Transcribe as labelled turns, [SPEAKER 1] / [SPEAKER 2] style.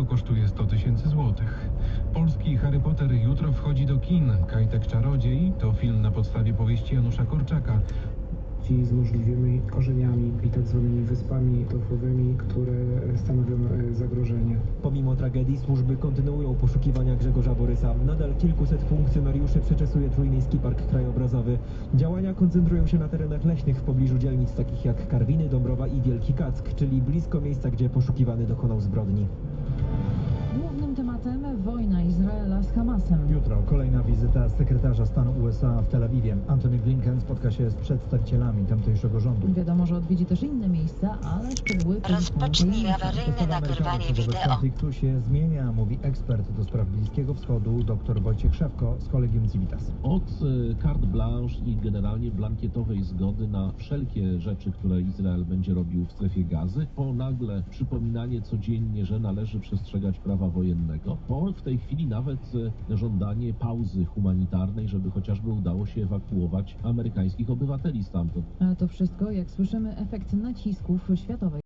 [SPEAKER 1] kosztuje 100 000 złotych. Polski Harry Potter jutro wchodzi do kin. Kajtek Czarodziej to film na podstawie powieści Janusza Korczaka.
[SPEAKER 2] Ci z możliwymi korzeniami i tak zwanymi wyspami torfowymi, które stanowią zagrożenie.
[SPEAKER 3] Pomimo tragedii służby kontynuują poszukiwania Grzegorza Borysa. Nadal kilkuset funkcjonariuszy przeczesuje Trójmiejski Park Krajobrazowy. Działania koncentrują się na terenach leśnych w pobliżu dzielnic takich jak Karwiny, Dąbrowa i Wielki Kack, czyli blisko miejsca, gdzie poszukiwany dokonał zbrodni.
[SPEAKER 4] Głównym tematem wojna Izraela z Hamasem.
[SPEAKER 5] Jutro kolejna wizyta sekretarza stanu USA w Tel Awiwie. Antony Blinken spotka się z przedstawicielami tamtejszego rządu.
[SPEAKER 4] Wiadomo, że odwiedzi też inne miejsca, ale szczegóły
[SPEAKER 6] Rozpocznij awaryjne nagrywanie
[SPEAKER 5] wobec
[SPEAKER 6] wideo.
[SPEAKER 5] konfliktu się zmienia, mówi ekspert do spraw Bliskiego Wschodu dr Wojciech Szewko z Collegium Civitas.
[SPEAKER 7] Od carte blanche i generalnie blankietowej zgody na wszelkie rzeczy, które Izrael będzie robił w strefie Gazy, po nagle przypominanie codziennie, że należy przestrzegać prawa wojennego, po w tej chwili nawet żądanie pauzy humanitarnej, żeby chociażby udało się ewakuować amerykańskich obywateli stamtąd.
[SPEAKER 4] A to wszystko, jak słyszymy, efekt nacisków światowej